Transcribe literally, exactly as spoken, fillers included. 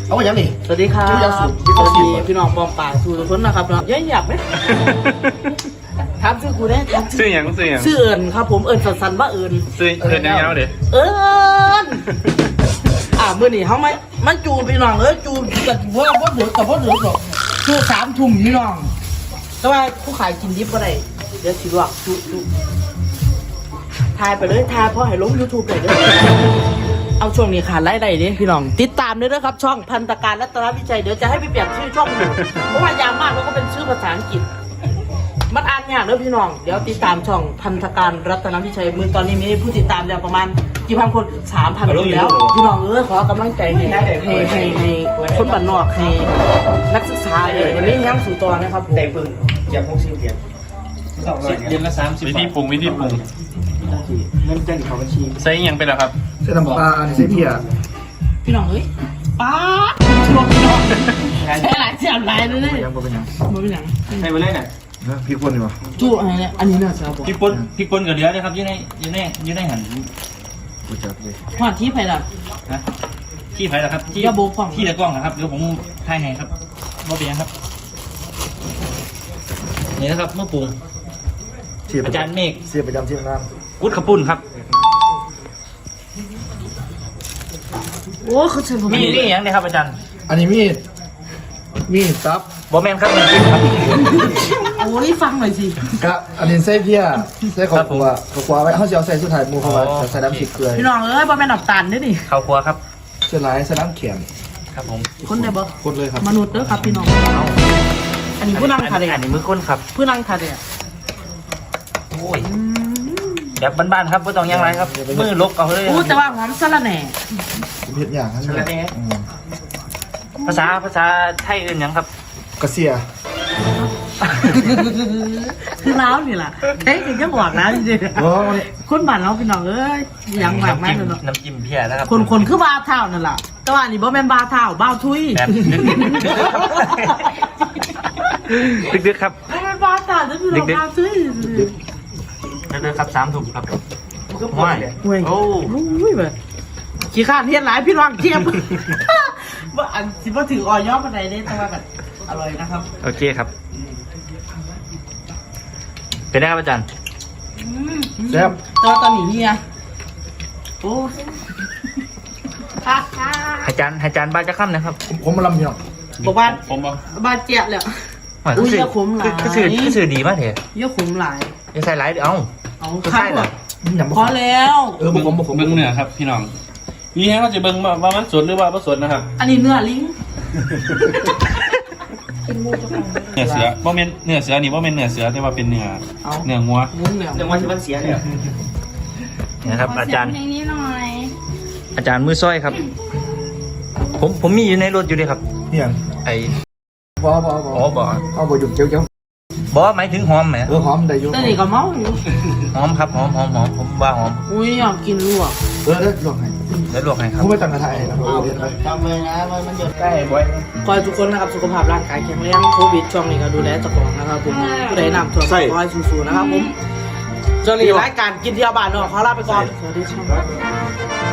เอาไว้ยังนี่สวัสดีครับสวัสดีพี่น้องปอมป่าสู่ทุกคนนะครับเนาะยังอยากไหมถามชื่อกูได้ชื่ออย่างชื่ออย่างชื่อเอิญครับผมเอิญสันๆว่าเอิญชื่อเอิญยาวๆเด้เอิญอ่าเมื่อนี่เขาไม่มันจูนพี่น้องเออจูนกับพ่อพ่อเหลือกับพ่อเหลือกับชูสามถุงพี่น้องแต่ว่าผู้ขายกินดิบก็ได้เดี๋ยวสิว่าจูจูทายไปเลยทายเพราะให้ลงยูทูบเลยเด้อเอาช่วงนี้ขาดไล่ได้ดิพี่น้องติดตามด้วยนะครับช่องพันธการรัตนวิจัยเดี๋ยวจะให้ไปเปลี่ยนชื่อช่องอยู่เพราะว่ายาวมากแล้วก็เป็นชื่อภาษาอังกฤษมันอ่านยากเด้อพี่น้องเดี๋ยวติดตามช่องพันธการรัตนวิชัยมือตอนนี้มีผู้ติดตามแล้วประมาณกี่พันคนสามพันคนแล้วพี่น้องเออขอกำลังใจให้ให้ให้ให้คนบ้านนอกให้นักศึกษาเลยวันนี้ยังสู่ตัวนะครับผมแต่ปึ้งอยากพกซิมเดียนเดือนละสามสิบวิธีปรุงวิธีปรุงเงินเต้นเขาบัญชีใส่ยังเป็นหรอครับใส่น้ำปลาใส่เพียพี่น้องเอ้ยป้าชมพี่น้องใช่หลายเสียงหลายเลยเนี่ยยังบ่เป็นยังมันเป็นอย่างใส่ไปเลยน่ะพี่คนดีวะจู้อะไรเนี่ยอันนี้น่าจะบอกพี่ปนพี่ปนกับเดือนะครับยืนในยืนในยืนในหันกูจับเลยหอดที่ไผ่ละนะที่ไผ่ละครับที่อย่าโบกกล้องที่ตะกล้องนะครับเดี๋ยวผมถ่ายให้ครับว่าเป็นยังครับนี่นะครับเมื่อปรุงอาจารย์เมฆเสียประจำที่น้กุดขปุ่นครับโอ้เขาเชิญผมมีนี่ยังเนี่ยครับอาจารย์ำอันนี้มีดมีดซับบอแมนครับมันกินครับโอ้ยฟังหน่อยสิกะอันนี้ใส่เพียใส่ขอบกัวขอบกัวไว้เขาจะเอาใส่สุดท้ายมูเข้ามาใส่น้ำพริกเกลือพี่น้องเอ้ยบอแม่นอับตันด้วยนี่ข้าวครัวครับเสื้อลายใส่น้ำเขียนครับผมคนได้บ่คนเลยครับมนุษย์เด้อครับพี่น้องอันนี้ผู้นั่งทะเลอันนี้มือก้นครับผู้นั่งทะเลโอ้ยแบบบ้านๆครับไม่ต้องยังไรครับมือลกเอาเลยอู้แต่ว่าหอมสะระแหน่เพียอย่างนั้นเลยอืมภาษาภาษาไทยอื่นยังครับกระเสียคือน้ำนี่แหละเท่ถึงจะบอกนะจริงโอ้ยๆคนบ้านเราพี่น้องเอ้ยยังมากแม่เลยเนาะน้ำจิ้มเพียนะครับคนคนคือบาเท่านั่นแหละแต่ว่าอันนี้บ่แม่นบาเท่าบ้าทุยแบบดึกๆครับบ่แม่นบาเท่าจะพี่น้องบาทุยดึกๆครับสามถุงครับห่วยห่วยโอ้โอ้ยแบบขี้ข้านเทียนหลายพี่น้องเทียมว่าอันสิบ่ถือออยอปานใดเด้แต่ว่าแบบอร่อยนะครับโอเคครับ เป็นไงครับอาจารย์แซ่บแตัวาตอนนี้นี่ไงโอ้อาจารย์อาจารย์บ้านจะค่ำนะครับผมมาลำเพียงบอกว่าผมบอกบาดเจ็บเลยคืออุ้ยสื่ออย่าขมหลายคือสื่อคือสื่อดีมากเถอะเยอะขุมหลายยังใส่หลายเดี๋ยวเอาเอาก็ข้าใช่วเหรออย่างพอแล้วเออบุกผมบุกผมเบิ้งเนื้อครับพี่น้องนี่ฮะว่าจะเบิ้งว่ามันสดหรือว่าไม่สดนะครับอันนี้เนื้อลิงเนื้อเสือว่าเป็นเนื้อเสือนี่ว่าเป็นเนื้อเสือแต่ว่าเป็นเนื้อเนื้องัวงุ้งเหนียวเรื่องวันที่มันเสียเนี่ยนี่นะครับ อาจารย์เพลงนี้หน่อยอาจารย์มือซ้อยครับ ผมผมมีอยู่ในรถอยู่เลยครับเนี่ยไอ้บอบอบอ๋อบอกเอาบอหยุดเจียวเจียวบอกหมายถึงหอมไหมเออหอมได้อยู่แต่นี่ก็เมาอยู่หอมครับหอมหอมหอมผมว่าหอมอุ้ยอยากกินลวกเออเด้อลองให้แล้วลวกให้ครับผมไม่ตั้งกระทะให้นะเออเดี๋ยวไปจำเลยนะมันมันหยดใกล้บ่อยขอให้ทุกคนนะครับสุขภาพร่างกายแข็งแรงโควิดช่วงนี้ก็ดูแลเจ้าของนะครับผมผู้ใดนำตัวขอให้สู้ๆนะครับผมจนรีรายการกินเที่ยวบ้านนอกขอลาไปก่อนสวัสดีครับ